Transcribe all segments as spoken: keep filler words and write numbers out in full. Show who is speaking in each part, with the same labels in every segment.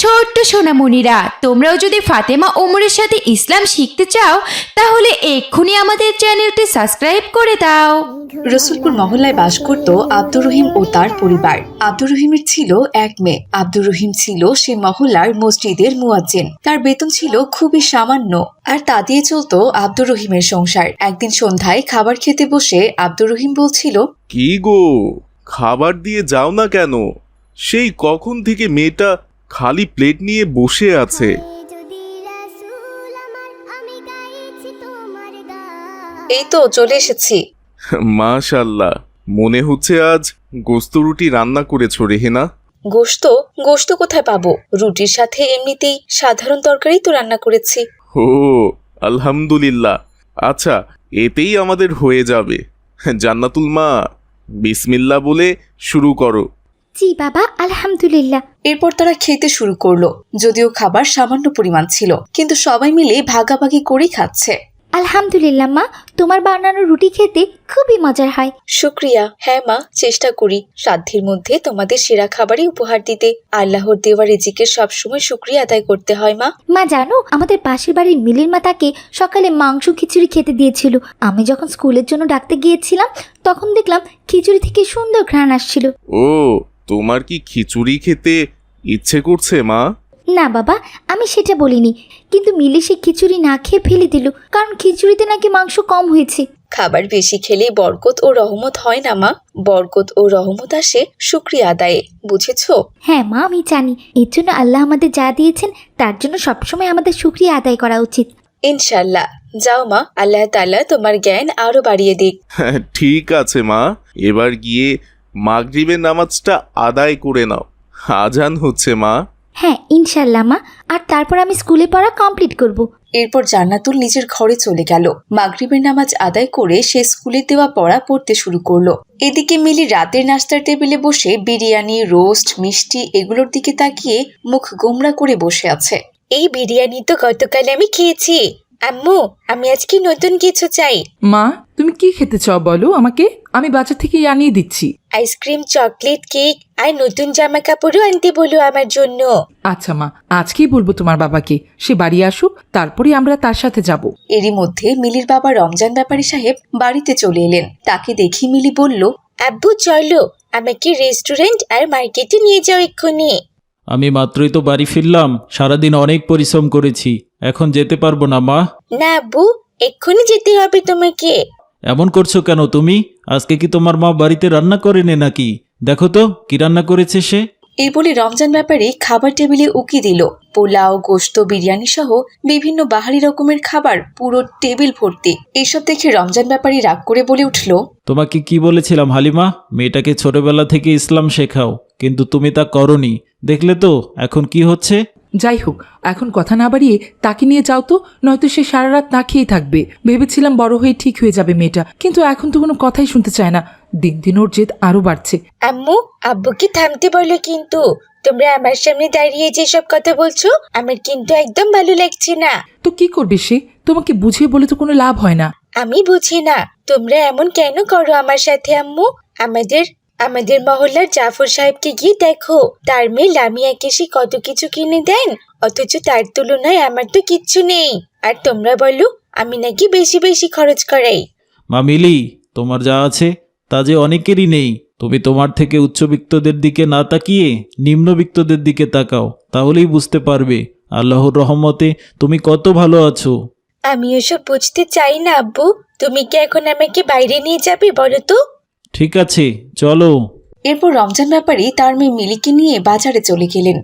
Speaker 1: ছোট্ট সোনামণিরা, তোমরাও যদি ফাতেমা ওমরের সাথে ইসলাম শিখতে চাও তাহলে এক্ষুনি আমাদের চ্যানেলটি সাবস্ক্রাইব করে দাও।
Speaker 2: রসুলপুর মহল্লায় বাস করত আব্দুর রহিম ও তার পরিবার। আব্দুর রহিমের ছিল এক মেয়ে। আব্দুর রহিম ছিল সে মহল্লার মসজিদের মুয়াজ্জিন। তার বেতন ছিল খুবই সামান্য, আর তা দিয়ে চলত আব্দুর রহিমের সংসার। একদিন সন্ধ্যায় খাবার খেতে বসে আব্দুর রহিম বলছিল,
Speaker 3: কি গো, খাবার দিয়ে যাও না কেন? সেই কখন থেকে মেয়েটা খালি প্লেট নিয়ে বসে আছে।
Speaker 2: এই তো চলে এসেছি।
Speaker 3: মাশাআল্লাহ, মনে হচ্ছে আজ গোস্ত রুটি রান্না করেছো রেহেনা।
Speaker 2: গোশত গোশত কোথায় পাবো? রুটির সাথে এমনিতেই সাধারণ তরকারি তো রান্না করেছি।
Speaker 3: ও আলহামদুলিল্লাহ, আচ্ছা এতেই আমাদের হয়ে যাবে। জান্নাতুল মা, বিসমিল্লাহ বলে শুরু করো।
Speaker 4: জি বাবা, আলহামদুলিল্লাহ।
Speaker 2: এরপর তারা খেতে শুরু করলো। যদিও খাবার সামান্য পরিমাণ ছিল, কিন্তু সবাই মিলে ভাগাভাগি করেই খাচ্ছে।
Speaker 4: আলহামদুলিল্লাহ মা, তোমার বানানো রুটি খেতে খুবই মজার হয়।
Speaker 2: শুক্রিয়া। হ্যাঁ মা, চেষ্টা করি সাধ্যের মধ্যে তোমাদের সেরা খাবারই উপহার দিতে। আল্লাহর দেওয়া রিজিকের সবসময় শুক্রিয়া আদায় করতে হয় মা।
Speaker 4: মা জানো, আমাদের পাশের বাড়ির মিলির মা তাকে সকালে মাংস খিচুড়ি খেতে দিয়েছিল। আমি যখন স্কুলের জন্য ডাকতে গিয়েছিলাম তখন দেখলাম খিচুড়ি থেকে সুন্দর ঘ্রাণ আসছিল।
Speaker 3: ও, তোমার কি খিচুড়ি খেতে ইচ্ছে করছে মা?
Speaker 4: না বাবা, আমি সেটা বলিনি, কিন্তু মিলি সে খিচুড়ি না খেয়ে ফেলে দিল, কারণ খিচুড়িতে নাকি মাংস কম হয়েছে।
Speaker 2: খাবার বেশি খেলেই বরকত ও রহমত হয় না মা। বরকত ও রহমত আসে শুক্রিয়া আদায়ে, বুঝেছো?
Speaker 4: হ্যাঁ মা, আমি জানি। এর জন্য আল্লাহ আমাদের যা দিয়েছেন তার জন্য সবসময় আমাদের শুকরিয়া আদায় করা উচিত।
Speaker 2: ইনশাল্লাহ। যাও মা, আল্লাহ তাআলা তোমার জ্ঞান আরো বাড়িয়ে দিক।
Speaker 3: ঠিক আছে মা, এবার গিয়ে মাগরিবের নামাজটা আদায় করে নাও। আজান হচ্ছে মা।
Speaker 4: হ্যাঁ ইনশাল্লাহ মা, আর তারপর আমি স্কুলে পড়া কমপ্লিট করব।
Speaker 2: এরপর জান্নাতুল নিজের ঘরে চলে গেল। মাগরিবের নামাজ আদায় করে সে স্কুলে দেওয়া পড়া পড়তে শুরু করলো। এদিকে মিলি রাতের নাস্তার টেবিলে বসে বিরিয়ানি, রোস্ট, মিষ্টি এগুলোর দিকে তাকিয়ে মুখ গোমরা করে বসে আছে। এই বিরিয়ানি তো গতকাল আমি খেয়েছি। আম্মু, আমি আজকে নতুন কিছু চাই।
Speaker 5: মা, তুমি কি খেতে চাও বলো আমাকে, আমি বাজার থেকে আনিয়ে দিচ্ছি।
Speaker 2: আইসক্রিম, চকলেট, কেক আর নতুন জামা কাপড়ও আনতে বলো আমার জন্য।
Speaker 5: আচ্ছা মা, আজকেই বলবো তোমার বাবাকে, সে বাড়ি আসুক, তারপরে আমরা তার সাথে যাব।
Speaker 2: এরই মধ্যে মিলির বাবা রমজান ব্যাপারী সাহেব বাড়িতে চলে এলেন। তাকে দেখি মিলি বলল, আব্বু চলো, আমাকে রেস্টুরেন্ট আর মার্কেটে নিয়ে যাও এক্ষুনি।
Speaker 6: আমি মাত্রই তো বাড়ি ফিরলাম, সারাদিন অনেক পরিশ্রম করেছি, এখন যেতে পারবো না মা।
Speaker 2: না আব্বু, এক্ষুনি যেতে হবে তোমাকে।
Speaker 6: এমন করছো কেন তুমি? আজকে কি তোমার মা বাড়িতে রান্না করেনি নাকি? দেখো তো কি রান্না করেছে সে।
Speaker 2: এই বলে রমজান ব্যাপারী খাবার টেবিলে উকি দিল। পোলাও, গোশত, বিরিয়ানি সহ বিভিন্ন বাহারি রকমের খাবার পুরো টেবিল ভর্তি। এইসব দেখে রমজান ব্যাপারী রাগ করে বলে উঠল,
Speaker 6: তোমাকে কি বলেছিলাম হালিমা, মেয়েটাকে ছোটবেলা থেকে ইসলাম শেখাও, কিন্তু তুমি তা করনি। দেখলে তো এখন কি হচ্ছে।
Speaker 5: যাই হোক, এখন কথা না বাড়িয়ে তাকে নিয়ে যাও তো, নয়তো সে সারা রাত না খেয়ে থাকবে। ভেবেছিলাম বড় হয়ে ঠিক হয়ে যাবে মেয়েটা, কিন্তু এখন তো কোনো কথাই শুনতে চায় না। দিন দিন ওর জেদ আরো বাড়ছে।
Speaker 2: আম্মু, আব্বুকে থামতে বলো কিন্তু। তোমরা আমার সামনে দাঁড়িয়ে যেসব কথা বলছো আমার কিন্তু একদম ভালো লাগছে না।
Speaker 5: তো কি করবে সে? তোমাকে বুঝিয়ে বলে তো কোনো লাভ হয় না।
Speaker 2: আমি বুঝি না তোমরা এমন কেন করো আমার সাথে আম্মু। আমাদের আমাদের মহল্লার জাফর সাহেবকে গিয়ে দেখো, তার মেয়ে লামিয়াকে সে কত কিছু কিনে দেন, অথচ তার তুলনায় আমার তো কিচ্ছু নেই। আর তোমরা বলো আমি নাকি বেশি বেশি খরচ করাই।
Speaker 6: মা মিলি, তোমার যা আছে তা যে অনেকেরই নেই। তুমি তোমার থেকে উচ্চবিত্তদের দিকে না তাকিয়ে নিম্নবিত্তদের দিকে তাকাও, তাহলেই বুঝতে পারবে আল্লাহর রহমতে তুমি কত ভালো আছো।
Speaker 2: আমি ওসব বুঝতে চাই না আব্বু। তুমি কি এখন আমাকে বাইরে নিয়ে যাবে বলো তো?
Speaker 6: ঠিক আছে, চলো।
Speaker 2: এরপর রমজান ব্যাপারী তার মেয়ে মিলিকে নিয়ে বাজারে চলে গেলেন।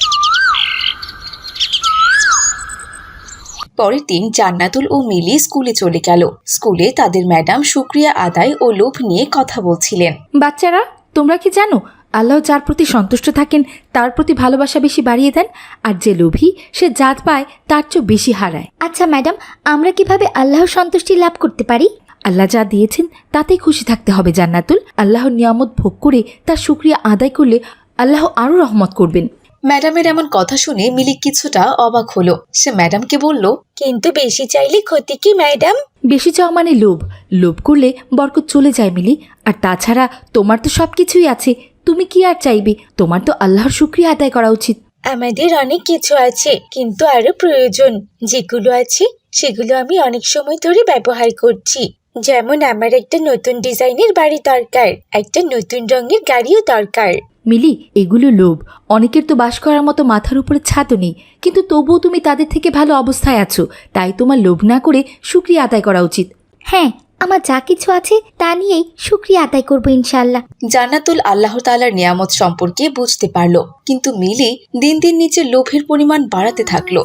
Speaker 2: পরের দিন জান্নাতুল ও মিলি স্কুলে চলে গেল। স্কুলে তাদের ম্যাডাম শুকরিয়া আদায় ও লোভ নিয়ে কথা বলছিলেন।
Speaker 1: বাচ্চারা, তোমরা কি জানো আল্লাহ যার প্রতি সন্তুষ্ট থাকেন তার প্রতি ভালোবাসা বেশি বাড়িয়ে দেন, আর যে লোভী সে জাত পায় তার চেয়ে বেশি হারায়।
Speaker 4: আচ্ছা ম্যাডাম, আমরা কিভাবে আল্লাহর সন্তুষ্টি লাভ করতে পারি?
Speaker 1: আল্লাহ যা দিয়েছেন তাতেই খুশি থাকতে হবে জান্নাতুল। আল্লাহর নিয়ামত ভোগ করে তার শুকরিয়া আদায় করলে আল্লাহ আরও রহমত করবেন।
Speaker 2: ম্যাডামের এমন কথা শুনে মিলি কিছুটা অবাক হলো। সে ম্যাডামকে বলল, কিন্তু বেশি চাইলে ক্ষতি কি ম্যাডাম?
Speaker 1: বেশি চাওয়া মানে লোভ। লোভ করলে বরকত চলে যায় মিলি। আর তাছাড়া তোমার তো সব কিছুই আছে, তুমি কি আর চাইবে? তোমার তো আল্লাহর শুকরিয়া আদায় করা উচিত।
Speaker 7: আমাদের অনেক কিছু আছে, কিন্তু আরো প্রয়োজন যেগুলো আছে সেগুলো আমি অনেক সময় ধরে ব্যবহার করছি। যেমন আমার একটা নতুন ডিজাইনের বাড়ি দরকার, একটা নতুন রঙের গাড়িও দরকার।
Speaker 1: মিলি, এগুলো লোভ। অনেকের তো বাস করার মতো মাথার উপরে ছাদও নেই, কিন্তু তবুও তুমি তাদের থেকে ভালো অবস্থায় আছো। তাই তোমার লোভ না করে শুকরিয়া আদায় করা উচিত।
Speaker 4: হ্যাঁ, আমার যা কিছু আছে তা নিয়েই শুকরিয়া আদায় করবো ইনশাল্লাহ।
Speaker 2: জান্নাতুল আল্লাহ তাআলার নিয়ামত সম্পর্কে বুঝতে পারল, কিন্তু মিলি দিন দিন নিজের লোভের পরিমাণ বাড়াতে থাকলো।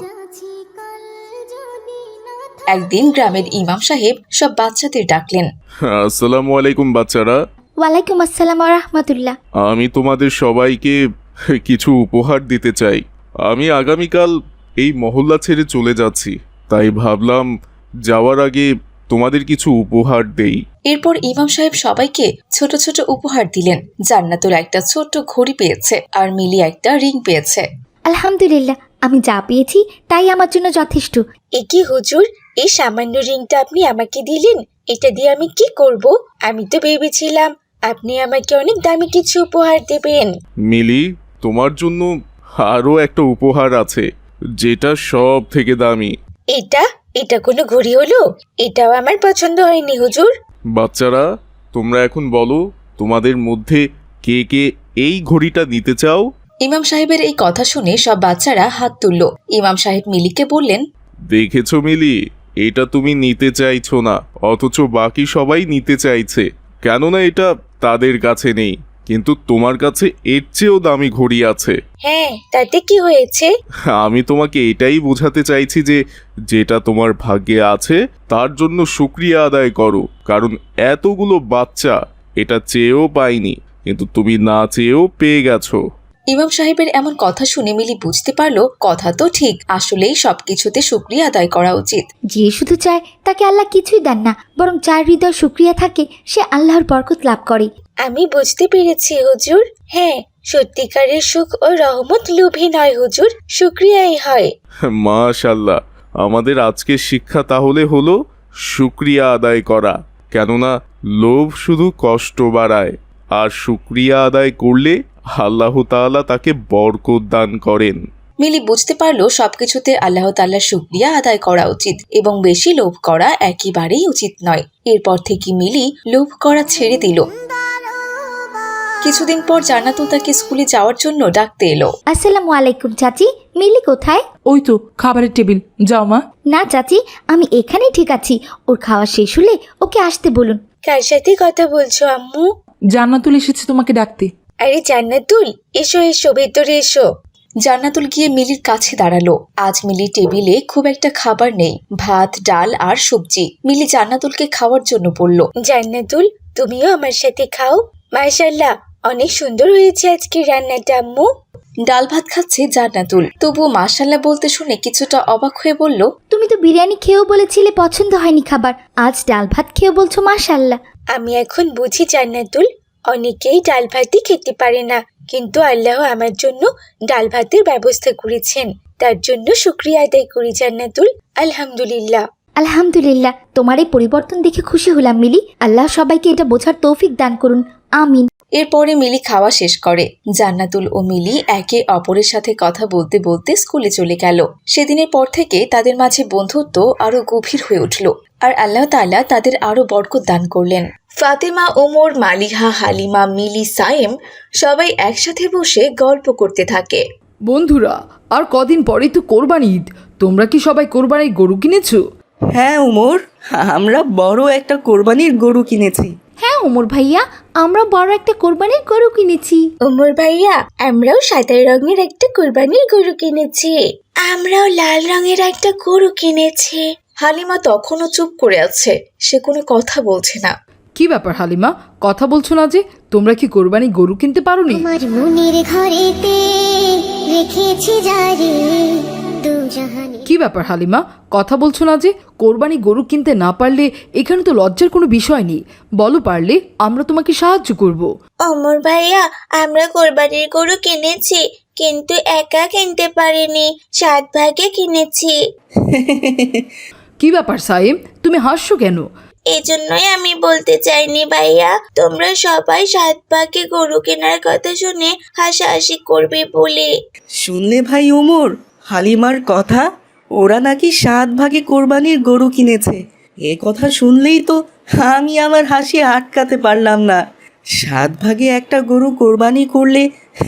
Speaker 2: একদিন গ্রামের ইমাম সাহেব সব বাচ্চাদের ডাকলেন।
Speaker 3: আসসালামু আলাইকুম বাচ্চারা।
Speaker 4: ওয়ালাইকুম আসসালাম রাহমাতুল্লাহ।
Speaker 3: আমি তোমাদের সবাইকে কিছু উপহার দিতে চাই। আমি আগামীকাল এই মহল্লা ছেড়ে চলে যাচ্ছি, তাই ভাবলাম যাওয়ার আগে তোমাদের কিছু উপহার দেই।
Speaker 2: এরপর ইমাম সাহেব সবাইকে ছোট ছোট উপহার দিলেন। জান্নাতুল একটা ছোট্ট ঘড়ি পেয়েছে আর মিলি একটা রিং পেয়েছে।
Speaker 4: আলহামদুলিল্লাহ, আমি যা পেয়েছি তাই আমার জন্য যথেষ্ট।
Speaker 7: এ কি হুজুর, এই সামান্য রিংটা আপনি আমাকে দিলেন? এটা দিয়ে আমি কি করব? আমি তো ভেবেছিলাম আপনি আমাকে অনেক দামি কিছু উপহার দেবেন।
Speaker 3: মিলি, তোমার জন্য আরও একটা উপহার আছে, যেটা সব থেকে দামি।
Speaker 7: এটা এটা কোনো ঘড়ি হলো? এটাও আমার পছন্দ হয়নি হুজুর।
Speaker 3: বাচ্চারা, তোমরা এখন বলো তোমাদের মধ্যে কে কে এই ঘড়িটা নিতে চাও?
Speaker 2: ইমাম সাহেবের এই কথা শুনে সব বাচ্চারা হাত তুলল। ইমাম সাহেব মিলিকে বললেন,
Speaker 3: দেখেছো মিলি, এটা তুমি নিতে চাইছো না, অথচ বাকি সবাই নিতে চাইছে। কেননা এটা তাদের কাছে নেই, কিন্তু তোমার কাছে এর চেয়েও দামি ঘড়ি আছে।
Speaker 7: হ্যাঁ, তাতে কি হয়েছে?
Speaker 3: আমি তোমাকে এটাই বোঝাতে চাইছি যে যেটা তোমার ভাগ্যে আছে তার জন্য শুকরিয়া আদায় করো, কারণ এতগুলো বাচ্চা এটা চেয়েও পায়নি, কিন্তু তুমি না চেয়েও পেয়ে গেছো।
Speaker 2: ইমাম সাহেবের এমন কথা শুনে মিলি বুঝতে পারলো কথা তো ঠিক, আসলেই সবকিছুতে শুকরিয়া আদায় করা উচিত।
Speaker 4: যে শুধু চায় তাকে আল্লাহ কিছুই দেন না, বরং যার হৃদয় শুকরিয়া থাকে সে আল্লাহর বরকত লাভ করে।
Speaker 7: আমি বুঝতে পেরেছি হুজুর। হ্যাঁ, সত্যিকারের সুখ ও রহমত লোভী নয় হুজুর, শুকরিয়াই হয়।
Speaker 3: মাশাল্লাহ, আমাদের আজকের শিক্ষা তাহলে হলো শুকরিয়া আদায় করা, কেননা লোভ শুধু কষ্ট বাড়ায়, আর শুকরিয়া আদায় করলে আল্লাহ তাআলা তাকে বরকত দান করেন।
Speaker 2: মিলি বুঝতে পারলো সবকিছুতে আল্লাহ তাআলার শুকরিয়া আদায় করা উচিত এবং বেশি লোভ করা একেবারেই উচিত নয়। এরপর থেকে মিলি লোভ করা ছেড়ে দিল। কিছুদিন পর জান্নাতুল তাকে স্কুলে যাওয়ার জন্য ডাকতে এলো।
Speaker 4: আসসালামু আলাইকুম চাচি, মিলি কোথায়?
Speaker 5: ওই তো খাবারের টেবিল, যাও মা।
Speaker 4: না চাচি, আমি এখানেই ঠিক আছি। ওর খাওয়া শেষ হলে ওকে আসতে বলুন।
Speaker 7: কার সাথে কথা বলছো আম্মু?
Speaker 5: জান্নাতুল এসেছে তোমাকে ডাকতে।
Speaker 7: আরে জান্নাতুল, এসো এসো, ভেতরে এসো।
Speaker 2: জান্নাতুল গিয়ে মিলির কাছে দাঁড়ালো। আজ মিলির টেবিলে খুব একটা খাবার নেই, ভাত, ডাল আর সবজি। মিলি জান্নাতুলকে খাওয়ার জন্য বলল।
Speaker 7: জান্নাতুল, তুমিও আমার সাথে খাও। মাশাআল্লাহ, অনেক সুন্দর হয়েছে আজকে রান্নাটা আম্মু।
Speaker 2: ডাল ভাত খাচ্ছে জান্নাতুল, তবুও মাশাআল্লাহ বলতে শুনে কিছুটা অবাক হয়ে বলল,
Speaker 4: তুমি তো বিরিয়ানি খেয়েও বলেছিলে পছন্দ হয়নি খাবার, আজ ডাল ভাত খেয়েও বলছো মাশাআল্লাহ।
Speaker 7: আমি এখন বুঝি জান্নাতুল, অনেকেই ডাল ভাতই খেতে পারে না, কিন্তু আল্লাহ আমার জন্য ডাল ভাতের ব্যবস্থা করেছেন, তার জন্য শুকরিয়া আদায় করি জান্নাতুল। আলহামদুলিল্লাহ।
Speaker 4: আলহামদুলিল্লাহ, তোমার এই পরিবর্তন দেখে খুশি হলাম মিলি। আল্লাহ সবাইকে এটা বোঝার তৌফিক দান করুন, আমিন।
Speaker 2: এরপরে মিলি খাওয়া শেষ করে। জান্নাতুল ও মিলি একে অপরের সাথে কথা বলতে বলতে স্কুলে চলে গেল। সেদিনের পর থেকে তাদের মাঝে বন্ধুত্ব আরো গভীর হয়ে উঠল, আর আল্লাহ তাআলা তাদের আরো বরকত দান করলেন। ফাতেমা, ওমর, মালিহা, হালিমা, মিলি, সায়েম সবাই একসাথে বসে গল্প করতে থাকে।
Speaker 8: বন্ধুরা, আর কদিন পরেই তো কোরবানি ঈদ। তোমরা কি সবাই কোরবানির গরু কিনেছো?
Speaker 9: হ্যাঁ উমর, আমরা বড় একটা কোরবানির গরু কিনেছি।
Speaker 4: হ্যাঁ ওমর ভাইয়া, আমরা বড় একটা কোরবানির গরু কিনেছি।
Speaker 7: ওমর ভাইয়া, আমরাও সাদা রঙের একটা কোরবানির গরু কিনেছি। আমরাও লাল রঙের একটা গরু কিনেছি।
Speaker 2: হালিমা তখনও চুপ করে আছে, সে কোনো কথা বলছে না।
Speaker 8: কি ব্যাপার হালিমা, কথা বলছো না যে? তোমরা কি কোরবানি গরু কিনতে পারোনি?
Speaker 10: আমার মনের ঘরেতে রেখেছি জারি দু জাহানে।
Speaker 8: কি ব্যাপার হালিমা, কথা বলছো না যে? কোরবানি গরু কিনতে না পারলে এখানে তো লজ্জার কোনো বিষয় নেই। বলো, পারলে আমরা তোমাকে সাহায্য করব।
Speaker 7: ওমর ভাইয়া, আমরা কোরবানির গরু কিনেছি, কিন্তু একা কিনতে পারিনি, সাত ভাগে কিনেছি।
Speaker 8: কি ব্যাপার সাইম, তুমি হাসছো কেন?
Speaker 7: এজন্যই আমি বলতে চাইনি ভাইয়া, তোমরা সবাই সাত ভাগে গরু কেনার কথা শুনে হাসাহাসি করবে বলে।
Speaker 9: শুনলে ভাই ওমর, হালিমার কথা, ওরা নাকি সাত ভাগে কোরবানির গরু কিনেছে। এ কথা শুনলেই তো আমি আমার হাসি আটকাতে পারলাম না। সাত ভাগে একটা গরু কোরবানি করলে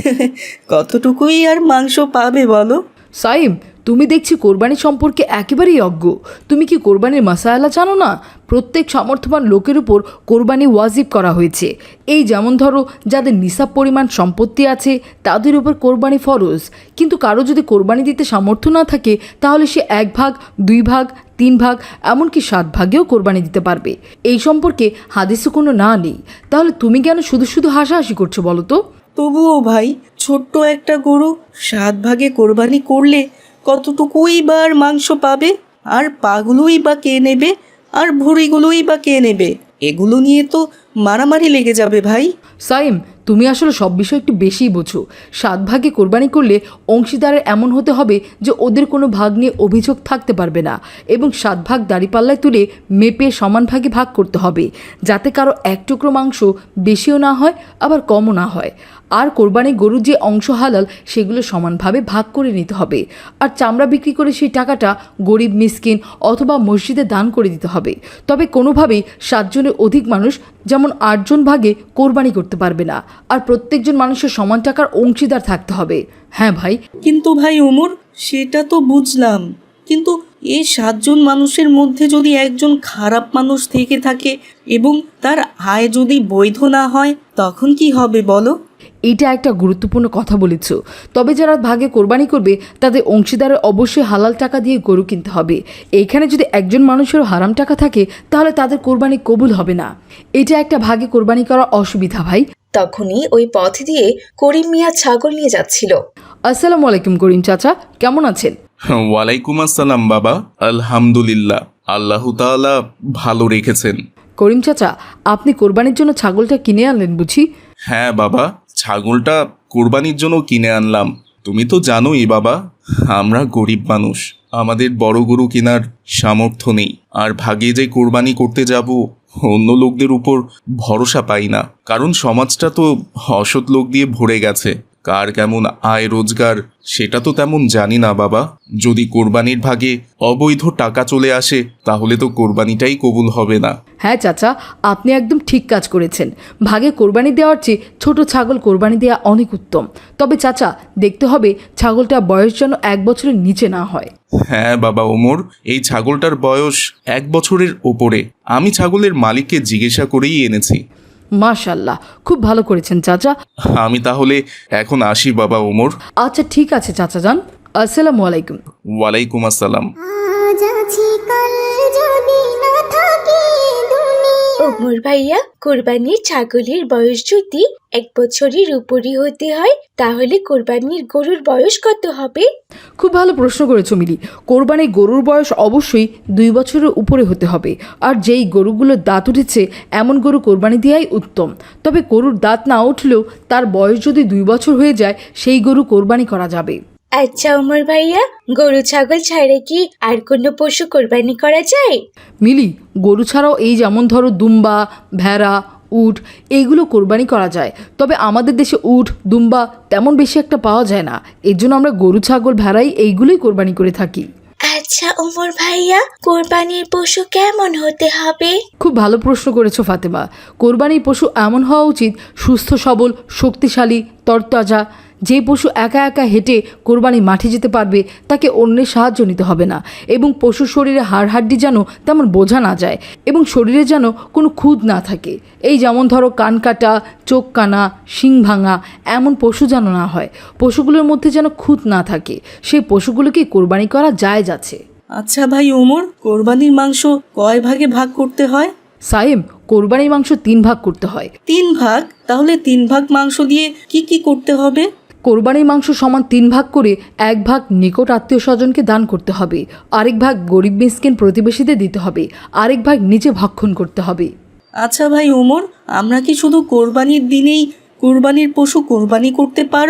Speaker 9: কতটুকুই আর মাংস পাবে বলো?
Speaker 8: সাইম, তুমি দেখছি কোরবানি সম্পর্কে একেবারেই অজ্ঞ। তুমি কি কোরবানির মাসায়ালা জানো না? প্রত্যেক সামর্থ্যবান লোকের উপর কোরবানি ওয়াজিব করা হয়েছে। এই যেমন ধরো, যাদের নিসাব পরিমাণ সম্পত্তি আছে তাদের উপর কোরবানি ফরজ। কিন্তু কারো যদি কোরবানি দিতে সামর্থ্য না থাকে তাহলে সে এক ভাগ, দুই ভাগ, তিন ভাগ, এমনকি সাত ভাগেও কোরবানি দিতে পারবে। এই সম্পর্কে হাদিসে কোনো না নেই। তাহলে তুমি কেন শুধু শুধু হাসাহাসি করছো বলো তো?
Speaker 9: তবুও ভাই, ছোট্ট একটা গরু সাত ভাগে কোরবানি করলে কতটুকুই বা আর মাংস পাবে? আর পাগুলোই বা কে নেবে? আর ভুঁড়িগুলোই বা কে নেবে? এগুলো নিয়ে তো মারামারি লেগে যাবে ভাই।
Speaker 8: সাইম, তুমি আসলে সব বিষয় একটু বেশিই বোঝো। সাত ভাগে কোরবানি করলে অংশীদারের এমন হতে হবে যে ওদের কোনো ভাগ নিয়ে অভিযোগ থাকতে পারবে না, এবং সাত ভাগ দাড়িপাল্লায় তুলে মেপে সমান ভাগে ভাগ করতে হবে, যাতে কারো এক টুকরো মাংস বেশিও না হয় আবার কমও না হয়। আর কোরবানি গরুর যে অংশ হালাল সেগুলো সমানভাবে ভাগ করে নিতে হবে। আর চামড়া বিক্রি করে সেই টাকাটা গরিব, মিসকিন অথবা মসজিদে দান করে দিতে হবে। তবে কোনোভাবেই সাতজনের অধিক মানুষ, যেমন আটজন ভাগে কোরবানি করতে পারবে না। আর প্রত্যেকজন মানুষের সমান টাকার অংশীদার থাকতে হবে। হ্যাঁ ভাই।
Speaker 9: কিন্তু ভাই ওমর, সেটা তো বুঝলাম, কিন্তু এই সাতজন মানুষের মধ্যে যদি একজন খারাপ মানুষ থেকে থাকে এবং তার আয় যদি বৈধ না হয়, তখন কি হবে বলো?
Speaker 8: এটা একটা গুরুত্বপূর্ণ কথা বলেছ। তবে যারা ভাগে কোরবানি করবে তাদের অংশীদারের অবশ্যই হালাল টাকা দিয়ে গরু কিনতে হবে। এইখানে যদি একজন মানুষেরও হারাম টাকা থাকে তাহলে তাদের কোরবানি কবুল হবে না। এটা একটা ভাগে কোরবানি করার অসুবিধা ভাই।
Speaker 2: তখনই ওই পথ দিয়ে করিম মিয়া ছাগল নিয়ে যাচ্ছিল।
Speaker 8: আসসালামু আলাইকুম করিম চাচা, কেমন আছেন?
Speaker 3: ওয়ালাইকুম আসসালাম বাবা, আলহামদুলিল্লাহ, আল্লাহ তাআলা ভালো রেখেছেন।
Speaker 8: করিম চাচা, আপনি কোরবানির জন্য ছাগলটা কিনে আনলেন বুঝি?
Speaker 3: হ্যাঁ বাবা, ছাগলটা কোরবানির জন্য কিনে আনলাম। তুমি তো জানোই বাবা, আমরা গরিব মানুষ, আমাদের বড় গরু কেনার সামর্থ্য নেই। আর ভাগে যে কোরবানি করতে যাব, অন্য লোকদের উপর ভরসা পাই না, কারণ সমাজটা তো অসৎ লোক দিয়ে ভরে গেছে। কার কেমন আয় রোজগার সেটা তো তেমন জানি না বাবা। যদি কোরবানির ভাগে অবৈধ টাকা চলে আসে তাহলে তো কোরবানিটাই কবুল হবে না।
Speaker 8: হ্যাঁ চাচা, আপনি একদম ঠিক কাজ করেছেন। ভাগে কোরবানি দেওয়ার চেয়ে ছোট ছাগল কোরবানি দেওয়া অনেক উত্তম। তবে চাচা, দেখতে হবে ছাগলটা বয়স যেন এক বছরের নিচে না হয়।
Speaker 3: হ্যাঁ বাবা ওমর, এই ছাগলটার বয়স এক বছরের ওপরে। আমি ছাগলের মালিককে জিজ্ঞাসা করেই এনেছি।
Speaker 8: মাশাআল্লাহ, খুব ভালো করেছেন চাচা।
Speaker 3: আমি তাহলে এখন আসি বাবা ওমর।
Speaker 8: আচ্ছা ঠিক আছে চাচা যান। আসসালামু আলাইকুম।
Speaker 3: ওয়ালাইকুম আসসালাম।
Speaker 10: আজ আছি কাল যদি না থাকি দুনিয়া।
Speaker 7: ওমর ভাইয়া, কোরবানির ছাগলের বয়স যদি এক বছরের উপরই হতে হয় তাহলে কোরবানির গরুর বয়স কত হবে?
Speaker 8: খুব ভালো প্রশ্ন করেছো মিলি। কোরবানির গরুর বয়স অবশ্যই দুই বছরের উপরে হতে হবে। আর যেই গরুগুলোর দাঁত উঠেছে এমন গরু কোরবানি দেওয়াই উত্তম। তবে গরুর দাঁত না উঠলেও তার বয়স যদি দুই বছর হয়ে যায় সেই গরু কোরবানি করা যাবে।
Speaker 7: আচ্ছা ওমর ভাইয়া, গরু ছাগল ছাড়া কি আর কোনো পশু কোরবানি করা যায়?
Speaker 8: মিলি, গরু ছাড়াও এই যেমন ধরো দুম্বা, ভেড়া, উট এইগুলো কোরবানি করা যায়। তবে আমাদের দেশে উট, দুম্বা তেমন বেশি একটা পাওয়া যায় না। এর জন্য আমরা গরু, ছাগল, ভেড়াই এইগুলোই কোরবানি করে থাকি।
Speaker 7: আচ্ছা ওমর ভাইয়া, কোরবানির পশু কেমন হতে হবে?
Speaker 8: খুব ভালো প্রশ্ন করেছো ফাতেমা। কোরবানির পশু এমন হওয়া উচিত সুস্থ সবল, শক্তিশালী, তরতাজা। যে পশু একা একা হেঁটে কোরবানি মাঠে যেতে পারবে তাকে অন্যের সাহায্য নিতে হবে না, এবং পশুর শরীরে হাড় হাড্ডি যেন তেমন বোঝা না যায়, এবং শরীরে যেন কোনো খুঁত না থাকে। এই যেমন ধরো কান কাটা, চোখ কানা, শিং ভাঙা এমন পশু যেন না হয়। পশুগুলোর মধ্যে যেন খুঁত না থাকে, সেই পশুগুলোকে কোরবানি করা জায়েজ আছে।
Speaker 9: আচ্ছা ভাই ওমর, কোরবানির মাংস কয় ভাগে ভাগ করতে হয়?
Speaker 8: সাইম, কোরবানির মাংস তিন ভাগ করতে হয়।
Speaker 9: তিন ভাগ? তাহলে তিন ভাগ মাংস দিয়ে কি কি করতে হবে?
Speaker 8: কোরবানির মাংস সমান তিন ভাগ করে এক ভাগ নিকট আত্মীয় স্বজনকে দান করতে হবে, আরেক ভাগ গরিব মিসকিন প্রতিবেশীদের দিতে হবে, আরেক ভাগ নিজে ভক্ষণ করতে হবে।
Speaker 9: আচ্ছা ভাই ওমর, আমরা কি শুধু কোরবানির দিনেই কোরবানির পশু কোরবানি করতে পারবো?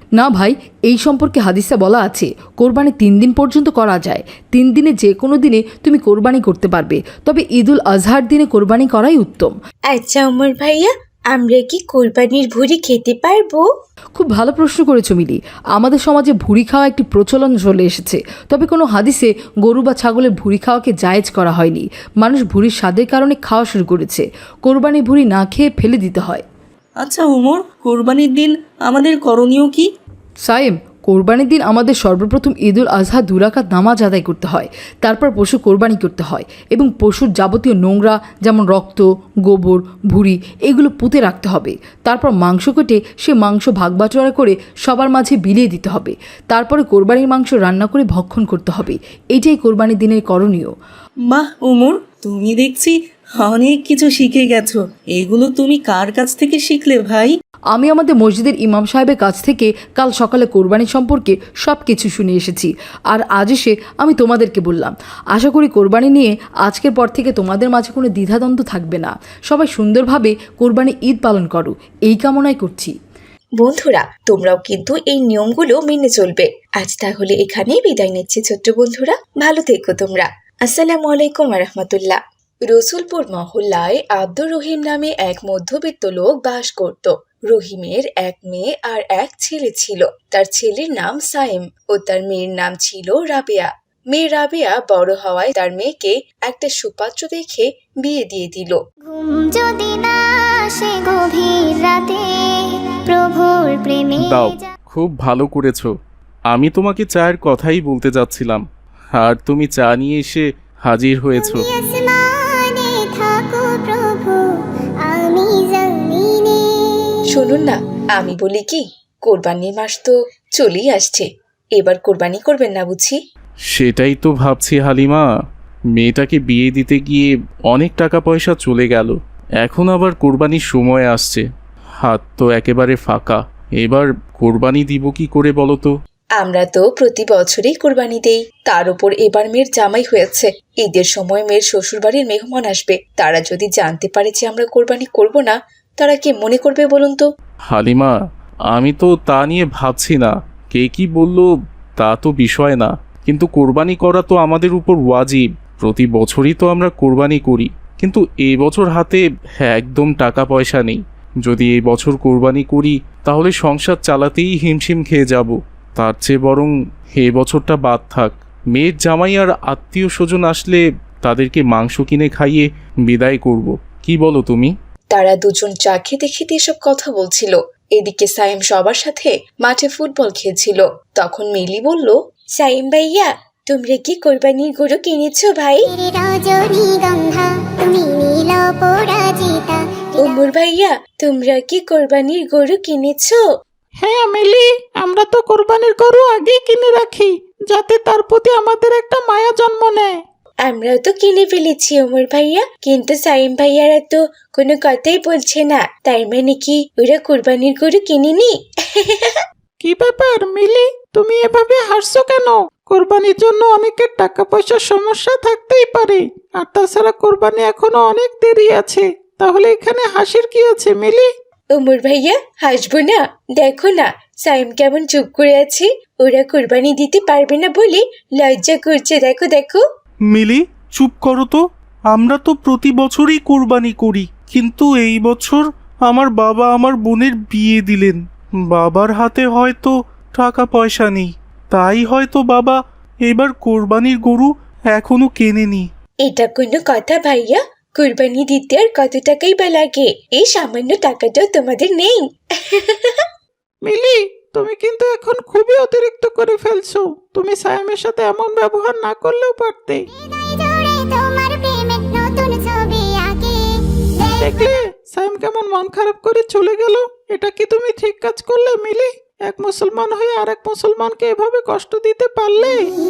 Speaker 8: না ভাই, এই সম্পর্কে হাদিসে বলা আছে কোরবানি তিন দিন পর্যন্ত করা যায়। তিন দিনে যে কোনো দিনে তুমি কোরবানি করতে পারবে, তবে ঈদুল আজহার দিনে কোরবানি করাই উত্তম।
Speaker 7: আচ্ছা ওমর ভাইয়া, আমরা কি কোরবানির ভুঁড়ি খেতে পারবো?
Speaker 8: খুব ভালো প্রশ্ন করেছো মিলি। আমাদের সমাজে ভুঁড়ি খাওয়া একটি প্রচলন চলে এসেছে, তবে কোনো হাদিসে গরু বা ছাগলের ভুঁড়ি খাওয়াকে জায়েজ করা হয়নি। মানুষ ভুঁড়ির স্বাদের কারণে খাওয়া শুরু করেছে। কোরবানি ভুঁড়ি না খেয়ে ফেলে দিতে হয়।
Speaker 9: আচ্ছা ওমর, কোরবানির দিন আমাদের করণীয় কি?
Speaker 8: সাইম, কোরবানির দিন আমাদের সর্বপ্রথম ঈদুল আজহা দুই রাকাত নামাজ আদায় করতে হয়। তারপর পশু কোরবানি করতে হয় এবং পশুর যাবতীয় নোংরা যেমন রক্ত, গোবর, ভুঁড়ি এগুলো পুঁতে রাখতে হবে। তারপর মাংস কেটে সে মাংস ভাগ বাটোয়ারা করে সবার মাঝে বিলিয়ে দিতে হবে। তারপরে কোরবানির মাংস রান্না করে ভক্ষণ করতে হবে। এটাই কোরবানির দিনের করণীয়।
Speaker 9: বাহ ওমর, তুমি দেখছি অনেক কিছু শিখে গেছো। এগুলো তুমি কার কাছ থেকে শিখলে ভাই?
Speaker 8: আমি আমাদের মসজিদের ইমাম সাহেবের কাছ থেকে কাল সকালে কোরবানি সম্পর্কে সব কিছু শুনে এসেছি, আর আজ এসে আমি তোমাদেরকে বললাম। আশা করি কোরবানি নিয়ে আজকের পর থেকে তোমাদের মাঝে কোনো দ্বিধাদ্বন্দ্ব থাকবে না। সবাই সুন্দরভাবে কোরবানি ঈদ পালন করো, এই কামনাই করছি।
Speaker 2: বন্ধুরা, তোমরাও কিন্তু এই নিয়মগুলো মেনে চলবে। আজ তাহলে এখানেই বিদায় নিচ্ছি ছোট্ট বন্ধুরা, ভালো থেকো তোমরা। আসসালামু আলাইকুম রহমতুল্লাহ। রসুলপুর মহল্লায় আব্দুর রহিম নামে এক মধ্যবিত্ত লোক বাস করত। রহিমের এক মেয়ে আর এক ছেলে ছিল। তার ছেলের নাম সাইম ও তার মেয়ের নাম ছিল রাবেয়া। মেয়ে রাবেয়া বড় হওয়ায় তার মেয়েকে একটা সুপাত্র দেখে বিয়ে দিয়ে দিল।
Speaker 10: ঘুম যদি না আসে গভীর রাতে, প্রভুর প্রেমে
Speaker 3: দাও, খুব ভালো করেছো। আমি তোমাকে চায়ের কথাই বলতে যাচ্ছিলাম, আর তুমি চা নিয়ে এসে হাজির হয়েছো।
Speaker 10: আসমানে থাকো প্রভু, আমি জমিনে।
Speaker 2: শুনুন না, আমি বলি কি, কোরবানির মাস তো চলেই আসছে, এবার কোরবানি করবেন না বুঝি?
Speaker 3: সেটাই তো ভাবছি হালিমা। মেয়েটাকে বিয়ে দিতে গিয়ে অনেক টাকা পয়সা চলে গেল, এখন আবার কোরবানির সময় আসছে, হাত তো একেবারে ফাঁকা। এবার কোরবানি দিব কি করে বলো তো?
Speaker 2: আমরা তো প্রতি বছরই কোরবানি দেই, তার উপর এবার মেয়ের জামাই হয়েছে। ঈদের সময় মেয়ের শ্বশুরবাড়ির মেহমান আসবে, তারা যদি জানতে পারে যে আমরা কোরবানি করব না, তারা কি মনে করবে বলুন তো?
Speaker 3: হালিমা, আমি তো তা নিয়ে ভাবছি না, কে কি বলল তা তো বিষয় না, কিন্তু কোরবানি করা তো আমাদের উপর ওয়াজিব। প্রতি বছরই তো আমরা কোরবানি করি, কিন্তু এই বছর হাতে একদম টাকা পয়সা নেই। যদি এই বছর কোরবানি করি তাহলে সংসার চালাতেই হিমশিম খেয়ে যাব। তার চেয়ে বরং এ বছরটা বাদ থাক। মেয়ের জামাই আর আত্মীয় স্বজন আসলে তাদেরকে মাংস কিনে খাইয়ে বিদায় করব। কি বলো তুমি?
Speaker 2: তারা দুজন চা খেতে খেতে এসব কথা বলছিল। এদিকে সাইম সবার সাথে মাঠে ফুটবল খেলছিল। তখন মিলি বলল,
Speaker 7: সাইম ভাইয়া, তোমরা কি কোরবানির গরু কিনেছো ভাই?
Speaker 10: রজনীগন্ধা তুমি নীল পরাজিতা।
Speaker 7: ওমর ভাইয়া, তোমরা কি কোরবানির গরু কিনেছো?
Speaker 5: হ্যাঁ মিলি, আমরা তো কোরবানির গরু আগেই কিনে রাখি, যাতে তার প্রতি আমাদের একটা মায়া জন্ম নেয়।
Speaker 7: আমরাও তো কিনে ফেলেছি ওমর ভাইয়া, কিন্তু সাইম ভাইয়ারা তো কোনো কথাই বলছে না। তার মানে কি ওরা কোরবানির গরু কিনেনি?
Speaker 5: কি ব্যাপার মিলি, তুমি এভাবে হাসছো কেন? কোরবানির জন্য অনেকের টাকা পয়সার সমস্যা থাকতেই পারে, আর তাছাড়া কোরবানি এখনো অনেক দেরি আছে। তাহলে এখানে হাসির কি আছে মিলি?
Speaker 7: ওমর ভাইয়া, হাসবো না? দেখো না সাইম কেমন চুপ করে আছে। ওরা কোরবানি দিতে পারবে না বলে লজ্জা করছে। দেখো দেখো।
Speaker 3: মিলি, চুপ করো তো। আমরা তো প্রতি বছরই কোরবানি করি, কিন্তু এই বছর আমার বাবা আমার বোনের বিয়ে দিলেন। বাবার হাতে হয়তো টাকা পয়সা নেই, তাই হয়তো বাবা এবার কোরবানির গরু এখনো কেনেনি।
Speaker 7: এটা কোনো কথা ভাইয়া? কোরবানি দিতে আর কত টাকাই বা লাগে? এই সামান্য টাকাটাও তোমাদের নেই?
Speaker 5: মিলি, তুমি কিন্তু এখন খুবই অতিরিক্ত করে ফেলছো। তুমি সায়ামের সাথে এমন ব্যবহার না করলেও পারতে।
Speaker 10: তোমার প্রেমের নতুন ছবি আঁকে।
Speaker 5: দেখলে সায়াম কেমন মন খারাপ করে চলে গেল। এটা কি তুমি ঠিক কাজ করলে মিলি? এক মুসলমান হয়ে আরেক মুসলমানকে এভাবে কষ্ট দিতে পারলে?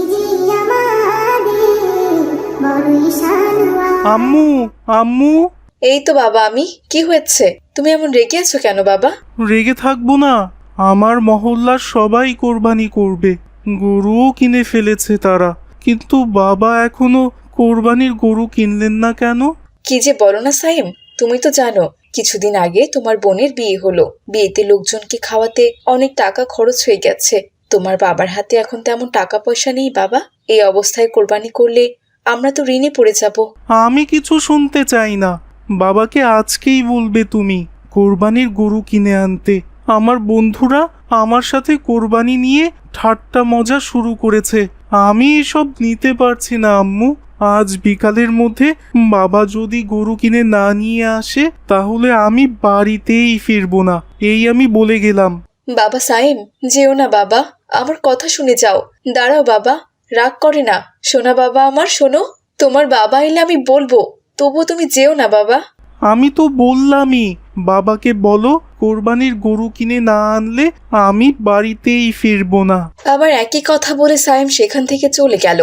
Speaker 3: আম্মু, আম্মু।
Speaker 2: এই তো বাবা আমি। কি হয়েছে? তুমি এমন রেগে আছো কেন বাবা?
Speaker 3: রেগে থাকবো না, আমার মহল্লার সবাই কোরবানি করবে, গরুও কিনে ফেলেছে তারা, কিন্তু বাবা এখনো কোরবানির গরু কিনলেন না কেন?
Speaker 2: কি যে বলো না সাইম, তুমি তো জানো কিছুদিন আগে তোমার বোনের বিয়ে হলো। বিয়েতে লোকজনকে খাওয়াতে অনেক টাকা খরচ হয়ে গেছে। তোমার বাবার হাতে এখন তেমন টাকা পয়সা নেই বাবা। এই অবস্থায় কোরবানি করলে আমরা তো ঋণে পড়ে যাব।
Speaker 11: আমি কিছু শুনতে চাই না। বাবাকে আজকেই বলবে তুমি কোরবানির গরু কিনে আনতে। আমার বন্ধুরা আমার সাথে কোরবানি নিয়ে ঠাট্টা মজা শুরু করেছে। আমি এসব নিতে পারছি না আম্মু। আজ বিকালের মধ্যে বাবা যদি গরু কিনে না নিয়ে আসে তাহলে আমি বাড়িতেই ফিরবো না, এই আমি বলে গেলাম।
Speaker 2: বাবা সাইম, যেও না বাবা, আমার কথা শুনে যাও। দাঁড়াও বাবা, রাগ করে না। শোনা বাবা আমার, শোনো। তোমার বাবা এলে আমি বলবো, তবু তুমি যেও না বাবা।
Speaker 11: আমি তো বললামই, বাবাকে বলো কোরবানির গরু কিনে না আনলে আমি বাড়িতেই ফিরবো না।
Speaker 2: আবার একই কথা বলে সাইম সেখান থেকে চলে গেল।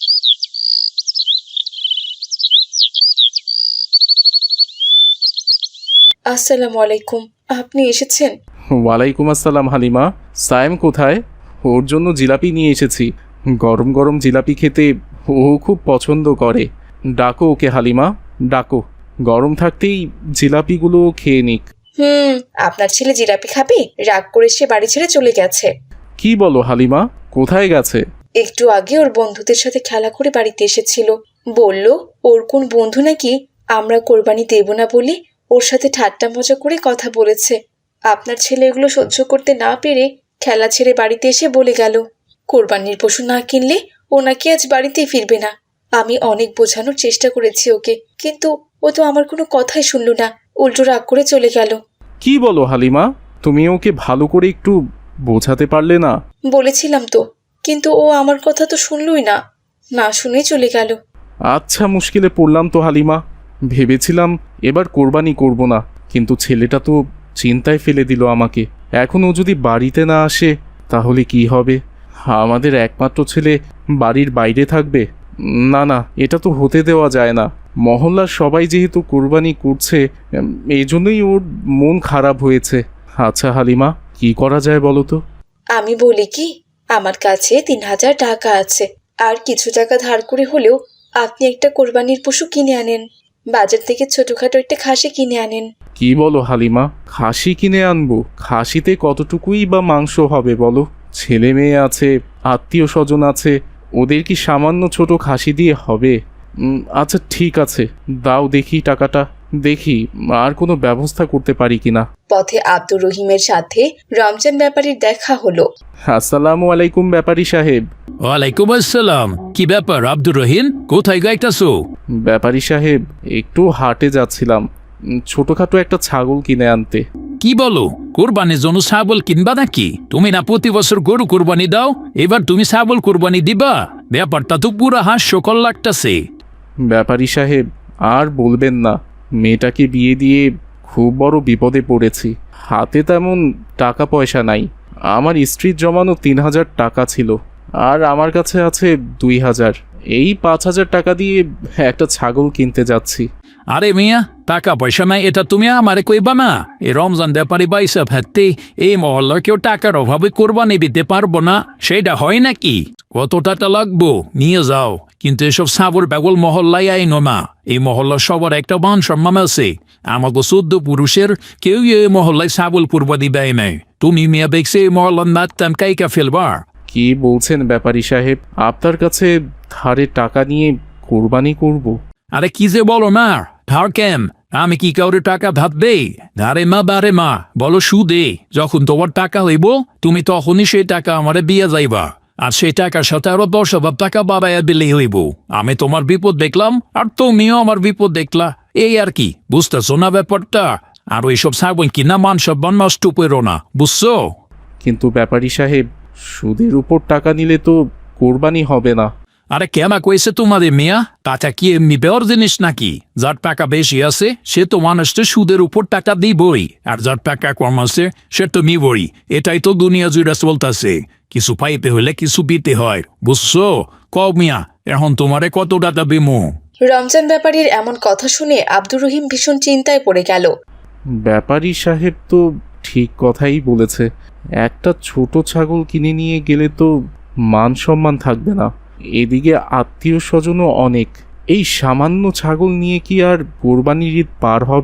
Speaker 2: আসসালামু আলাইকুম, আপনি এসেছেন?
Speaker 3: ওয়ালাইকুম আসসালাম হালিমা। সায়েম কোথায়? ওর জন্য জিলাপি নিয়ে এসেছি। গরম গরম জিলাপি খেতে ও খুব পছন্দ করে। ডাকো ওকে হালিমা, ডাকো। গরম থাকতেই জিলাপিগুলো খেয়ে নিক।
Speaker 2: হুম, আপনার ছেলে জিলাপি খাবে? রাগ করে সে বাড়ি ছেড়ে চলে গেছে।
Speaker 3: কি বলো হালিমা, কোথায় গেছে?
Speaker 2: একটু আগে ওর বন্ধুদের সাথে খেলা করে বাড়িতে এসেছিল। বলল ওর কোন বন্ধু নাকি আমরা কোরবানি দেব না বলে ওর সাথে ঠাট্টা মজা করে কথা বলেছে। আপনার ছেলে এগুলো সহ্য করতে না পেরে খেলা ছেড়ে বাড়িতে এসে বলে গেল কোরবানির পশু না কিনলে ও নাকি আজ বাড়িতেই ফিরবে না। আমি অনেক বোঝানোর চেষ্টা করেছি ওকে, কিন্তু ও তো আমার কোনো কথাই শুনল না, উল্টো রাগ করে চলে গেল।
Speaker 3: কি বলো হালিমা, তুমি ওকে ভালো করে একটু বোঝাতে পারলে না?
Speaker 2: বলেছিলাম তো, কিন্তু ও আমার কথা তো শুনলই না, না শুনেই চলে গেল।
Speaker 3: আচ্ছা, মুশকিলে পড়লাম তো হালিমা। ভেবেছিলাম এবার কোরবানি করব না, কিন্তু ছেলেটা তো চিন্তায় ফেলে দিল আমাকে। এখন ও যদি বাড়িতে না আসে তাহলে কি হবে? আমাদের একমাত্র ছেলে বাড়ির বাইরে থাকবে? না না, এটা তো হতে দেওয়া যায় না। মহল্লার সবাই যেহেতু কোরবানি করছে, এই জন্যই ওর মন খারাপ হয়েছে। আচ্ছা হালিমা, কি করা যায় বলো তো?
Speaker 2: আমি বলি কি, আমার কাছে তিন হাজার টাকা আছে, আর কিছু টাকা ধার করে হলেও আপনি একটা কোরবানির পশু কিনে আনেন। বাজার থেকে ছোটখাটো একটা খাসি কিনে আনেন।
Speaker 3: কি বলো হালিমা, খাসি কিনে আনবো? খাসিতে কতটুকুই বা মাংস হবে বলো? ছেলে মেয়ে আছে, আত্মীয় স্বজন আছে, ওদের কি সামান্য ছোট খাসি দিয়ে হবে? আচ্ছা ঠিক আছে, দাও দেখি টাকাটা, দেখি আর কোনো ব্যবস্থা করতে পারি কিনা।
Speaker 2: পথে আব্দুর রহিমের সাথে রমজান ব্যাপারীর দেখা হলো।
Speaker 3: আসসালামু আলাইকুম ব্যাপারী সাহেব।
Speaker 12: ওয়ালাইকুম আসসালাম। কি ব্যাপার আব্দুর রহিম, কোথায় গাইতাছো?
Speaker 3: ব্যাপারী সাহেব, একটু হাটে যাচ্ছিলাম, ছোটখাটো একটা ছাগল কিনে আনতে।
Speaker 12: কি বলো, কোরবানির জন্য ছাগল কিনবা নাকি? তুমি না প্রতি বছর গরু কোরবানি দাও, এবার তুমি ছাগল কোরবানি দিবা? ব্যাপারটা তো পুরো হাস্যকর লাগতাছে।
Speaker 3: ব্যাপারী সাহেব, আর বলবেন না, মেয়েটাকে বিয়ে দিয়ে খুব বড় বিপদে পড়েছি। হাতে তেমন টাকা পয়সা নাই। আমার স্ত্রীর জমানো তিন হাজার টাকা ছিল, আর আমার কাছে আছে দুই হাজার। এই পাঁচ হাজার টাকা দিয়ে একটা ছাগল কিনতে যাচ্ছি।
Speaker 12: আরে মিয়া, টাকা পয়সা নাই এটা তুমি আমারে কইবা না? এই রমজান ব্যাপারী বাইসা ভাবতে এই মহল্লার কেউ টাকার অভাবে কোরবানি দিতে পারবো না, সেটা হয় নাকি? কত টাকা লাগবো নিয়ে যাও, কিন্তু এসব সাবর বেগল মহল্লায় আইনো না। এই মহল্লার সবার একটা মান সম্মান আছে। আমাকে চোদ্দ পুরুষের কেউ এই মহল্লায় ছাগল কোরবানি দেয় নাই। তুমি মিয়া দেখছে এই মহল্লার নাচতাম কাইকা ফেলবা?
Speaker 3: কি বলছেন ব্যাপারী সাহেব, আপনার কাছে ধারে টাকা নিয়ে কোরবানি করব?
Speaker 12: আরে কি যে বলো না, ধার কেন? আমি কি কাউরে টাকা ধার দেই? ধারে মা বারে মা, বলো সুদে। যখন তোমার টাকা হইব তুমি তখনই সেই টাকা আমারে দিয়ে যাইবা, আর সেই টাকার সাথে আরো দশ হাজার টাকা বাবাইয়া দিলেই হইব। আমি তোমার বিপদ দেখলাম আর তুমিও আমার বিপদ দেখলা, এই আর কি। বুঝতেছো না ব্যাপারটা? আর ওইসব ছাগল কিনা মান সম্মান নষ্ট করো না, বুঝছো?
Speaker 3: কিন্তু ব্যাপারী সাহেব, সুদের উপর টাকা নিলে তো কোরবানি হবে না।
Speaker 12: আরে কেমা কইছে তোমাদের মিয়া? টাকা কি এমনি বেওয়ার জিনিস নাকি? যার টাকা বেশি আছে সে তো মানুষকে সুদের উপর টাকা দিবই, আর যার টাকা কম আছে সে তো নিবই। এটাই তো দুনিয়া জুড়ে চলতেছে। কিছু পাইতে হলে কিছু দিতে হয়, বুঝছো? কও মিয়া, এখন তোমারে কত টাকা দিমু?
Speaker 2: রমজান ব্যাপারীর এমন কথা শুনে আব্দুর রহিম ভীষণ চিন্তায় পড়ে গেল।
Speaker 3: ব্যাপারী সাহেব তো ঠিক কথাই বলেছে। একটা ছোট ছাগল কিনে নিয়ে গেলে তো মান সম্মান থাকবে না, এদিকে আত্মীয় স্বজনও অনেক। এই সামান্য ছাগল নিয়ে কি আর কোরবানির ঈদ পার হবে?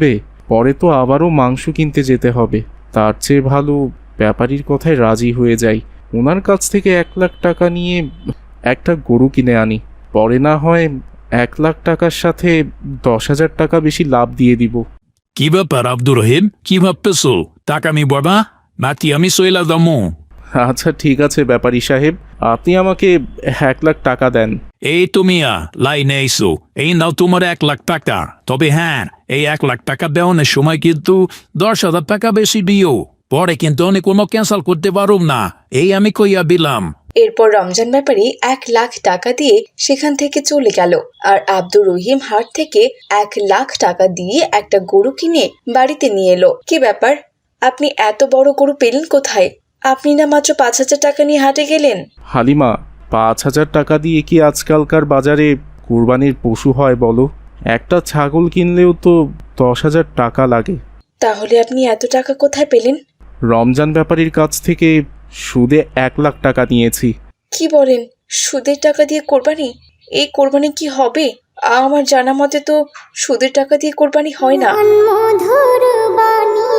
Speaker 11: পরে তো আবারও মাংস কিনতে যেতে হবে। তার চেয়ে ভালো ব্যাপারীর কথায় রাজি হয়ে যাই, ওনার কাছ থেকে এক লাখ টাকা নিয়ে একটা গরু কিনে আনি। পরে না হয় এক লাখ টাকার সাথে দশ হাজার টাকা বেশি লাভ দিয়ে দিব।
Speaker 12: কি ব্যাপার আব্দুর রহিম, কি ভাবতেছো? টাকা আমি বাবা নাকি আমি সইলা দামো?
Speaker 11: আচ্ছা ঠিক আছে ব্যাপারী সাহেব, আপনি আমাকে এক লাখ টাকা দেন।
Speaker 12: এই তুমিয়া লাইনে এসো, এই নাও তোমার এক লাখ টাকা। তবে হ্যাঁ, এই এক লাখ টাকা দেওয়ানোর সময় কিন্তু দশ হাজার টাকা বেশি দিও, পরে কিন্তু অনেক কোনো ক্যান্সেল করতে পারো না, এই আমি কইয়া দিলাম।
Speaker 2: এরপর রমজান ব্যাপারী এক লাখ টাকা দিয়ে সেখান থেকে চলে গেল, আর আব্দুর রহিম হাট থেকে এক লাখ টাকা দিয়ে একটা গরু কিনে বাড়িতে নিয়ে এলো। কি ব্যাপার, আপনি এত বড় গরু পেলেন কোথায়? আপনি না মাত্র পাঁচ হাজার টাকা নিয়ে হাটে গেলেন।
Speaker 11: হালিমা, পাঁচ হাজার টাকা দিয়ে কি আজকালকার বাজারে কুরবানির পশু হয় বলো? একটা ছাগল কিনলেও তো দশ হাজার টাকা লাগে।
Speaker 2: তাহলে আপনি এত টাকা কোথায় পেলেন?
Speaker 11: রমজান ব্যাপারীর কাছ থেকে সুদে এক লাখ টাকা নিয়েছি।
Speaker 2: কি বলেন, সুদের টাকা দিয়ে কোরবানি? এই কোরবানি কি হবে? আমার জানা মতে তো সুদের টাকা দিয়ে কোরবানি হয় না।
Speaker 10: মধুর বাণী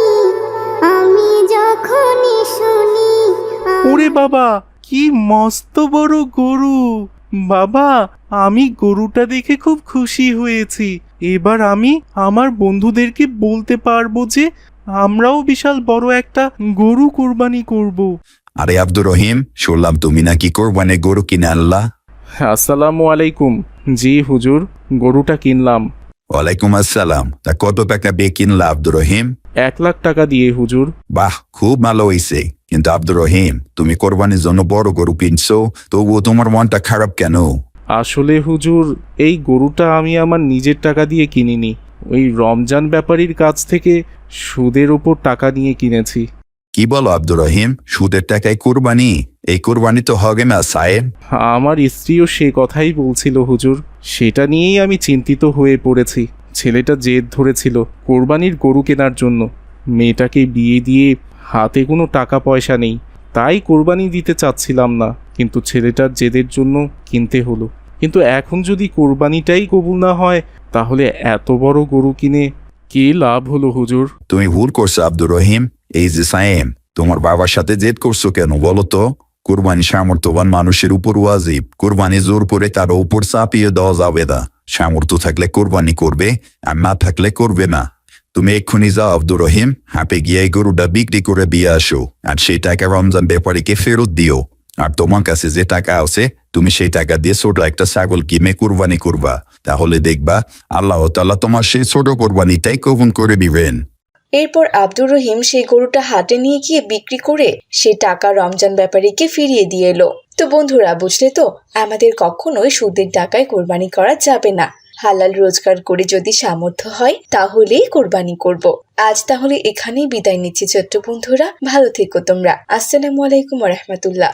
Speaker 10: আমি যখনই শুনি
Speaker 11: ওরে বাবা, কি মস্ত বড় গরু! বাবা, আমি গরুটা দেখে খুব খুশি হয়েছি। এবার আমি আমার বন্ধুদেরকে বলতে পারবো যে আমরাও বিশাল বড় একটা গরু কোরবানি করব।
Speaker 13: আরে আব্দুর রহিম, শুনলাম তুমি নাকি কোরবানি গরু কিনে আনলা?
Speaker 11: আসসালামু আলাইকুম। জি হুজুর, গরুটা কিনলাম।
Speaker 13: ওয়ালাইকুম আসসালাম। তা কত টাকা দিয়ে কিনলা আব্দুর রহিম?
Speaker 11: এক লাখ টাকা দিয়ে হুজুর।
Speaker 13: বাহ, খুব ভালো হয়েছে। কিন্তু আব্দুর রহিম, তুমি কোরবানির জন্য বড় গরু কিনছো, তবুও তোমার মনটা খারাপ কেন?
Speaker 11: আসলে হুজুর, এই গরুটা আমি আমার নিজের টাকা দিয়ে কিনিনি, ওই রমজান ব্যাপারীর কাছ থেকে সুদের ওপর টাকা নিয়ে কিনেছি।
Speaker 13: কি বলো আব্দুর রহিম, সুদের টাকায় কোরবানি? এই কোরবানি তো হবে না সাহেব।
Speaker 11: আমার স্ত্রীও সে কথাই বলছিল হুজুর, সেটা নিয়েই আমি চিন্তিত হয়ে পড়েছি। ছেলেটা জেদ ধরেছিল কোরবানির গরু কেনার জন্য। মেয়েটাকে বিয়ে দিয়ে হাতে কোনো টাকা পয়সা নেই, তাই কোরবানি দিতে চাচ্ছিলাম না, কিন্তু ছেলেটার জেদের জন্য কিনতে হলো। কিন্তু এখন যদি কোরবানিটাই কবুল না হয়, তাহলে এত বড় গরু কিনে কি লাভ হলো হুজুর?
Speaker 13: তুমি ভুল করছো আব্দুর রহিম। এই যে সাহেব, তোমার বাবার সাথে জেদ করছো কেন বলো তো? কোরবানি সামর্থ্যবান মানুষের উপর ওয়াজিব। কোরবানি জোর করে তার উপর চাপিয়ে দেওয়া যাবে না। সামর্থ্য থাকলে কোরবানি করবে, আর না থাকলে করবে না। তুমি এক্ষুনি যাও আব্দুর রহিম, হাঁপে গিয়ে এই গরুটা বিক্রি করে দিয়ে আসো, আর সেই টাকা রমজান ব্যাপারীকে ফেরত দিও। আর তোমার কাছে যে টাকা আছে, তুমি সেই টাকা দিয়ে ছোট একটা ছাগল কিনে কোরবানি করবা। তাহলে দেখবা আল্লাহ তাআলা তোমার সেই ছোট কোরবানিটাই কবুল করে দিবেন।
Speaker 2: এরপর আব্দুর রহিম সেই গরুটা হাটে নিয়ে গিয়ে বিক্রি করে সে টাকা রমজান ব্যাপারীকে ফিরিয়ে দিয়ে এলো। তো বন্ধুরা, বুঝলে তো, আমাদের কখনোই সুদের টাকায় কোরবানি করা যাবে না। হালাল রোজগার করে যদি সামর্থ্য হয় তাহলেই কোরবানি করব। আজ তাহলে এখানেই বিদায় নিচ্ছি ছোট্ট বন্ধুরা, ভালো থেকো তোমরা। আসসালামু আলাইকুম ওয়া রাহমাতুল্লাহ।